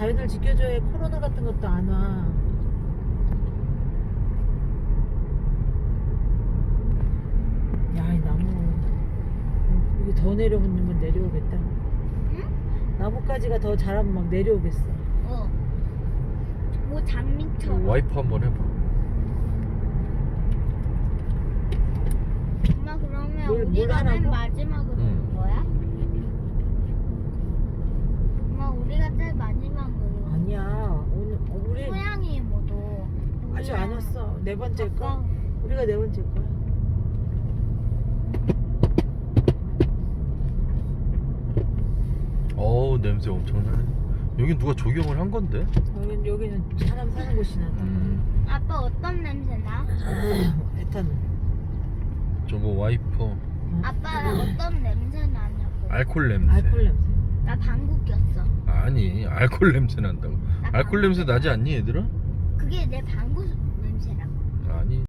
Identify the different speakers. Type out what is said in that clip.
Speaker 1: 자연을 지켜줘야 코로나 같은 것도 안 와. 야, 이 나무 이게 더 내려오면 내려오겠다.
Speaker 2: 응?
Speaker 1: 나뭇가지가 더 자라면 막 내려오겠어.
Speaker 2: 뭐 장미처럼.
Speaker 3: 와이프 한번 해봐.
Speaker 2: 엄마 그러면
Speaker 1: 물
Speaker 2: 우리가 맨
Speaker 1: 하라고?
Speaker 2: 마지막으로 오는 거야? 엄마 우리가 제일 마지막으로.
Speaker 1: 아니야. 오늘 우리
Speaker 2: 소양이 모두.
Speaker 1: 아직 안 왔어. 네 번째 거.
Speaker 2: 아까
Speaker 1: 우리가 네 번째 거야.
Speaker 3: 어우 냄새 엄청나네. 여긴 누가 조경을 한 건데?
Speaker 1: 여기는 사람 사는 곳이 나다.
Speaker 2: 아빠 어떤 냄새 나?
Speaker 1: 에탄올.
Speaker 3: 저거 와이퍼
Speaker 2: 아빠 어떤 냄새 나냐고.
Speaker 3: 알콜 냄새.
Speaker 1: 알콜 냄새.
Speaker 2: 나 방구 꼈어.
Speaker 3: 아니 알콜 냄새 난다고.
Speaker 2: 나
Speaker 3: 알콜
Speaker 2: 방구
Speaker 3: 냄새 나지 않니 얘들아?
Speaker 2: 그게 내 방구 냄새라고.
Speaker 3: 아니.